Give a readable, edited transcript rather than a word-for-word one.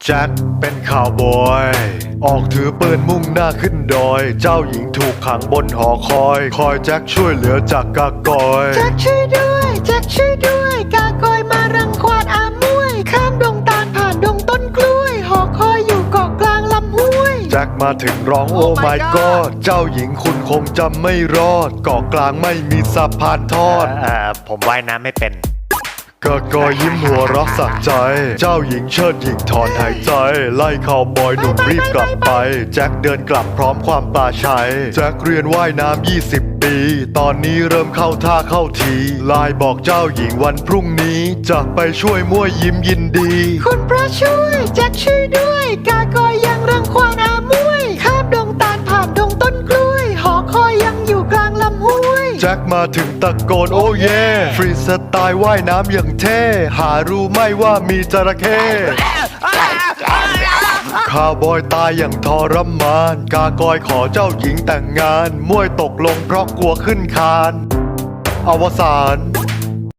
แจ็คเป็นข่าวบอยออกถือปืนมุ่งหน้าขึ้นดอยเจ้าหญิงถูกขังบนหอคอยแจ็คช่วยเหลือจากกากอยแจ็คช่วยด้วยแจ็คช่วยด้วยกากอยมารังควานอามวยข้ามดงตาลผ่านดงต้นกล้วยหอคอยอยู่เกาะกลางลำห้วยแจ็คมาถึงร้องโอ้ my god เจ้าหญิงคุณคงจำไม่รอดเกาะกลางไม่มีสะพานทอดผมว่ายน้ำไม่เป็นกากอยยิ้มหัวเรักสักใจเจ้าหญิงเชิดหญิงถอนหายใจไล่ข่าวบอยหนุ่มรีบกลับไปแจ็คเดินกลับพร้อมความปลาชัยแจ็คเรียนว่ายน้ำ20 ปีตอนนี้เริ่มเข้าท่าเข้าทีไลน์บอกเจ้าหญิงวันพรุ่งนี้จะไปช่วยมั่วยิ้มยินดีคุณพระช่วยแจ็คช่วยด้วยกากอยยังรังควานอามวยข้ามดงตาลผ่านดงต้นกล้วยหอคอยยังอยู่กลางลำห้วยแจ็คมาถึงตะโกนโอ้เย่ฟรีสไตล์ว่ายน้ำอย่างเท่หารู้ไหมว่ามีจระเข้ข้าวบอยตายอย่างทรมานกากอยขอเจ้าหญิงแต่งงานมวยตกลงเพราะกลัวขึ้นคานอวสาน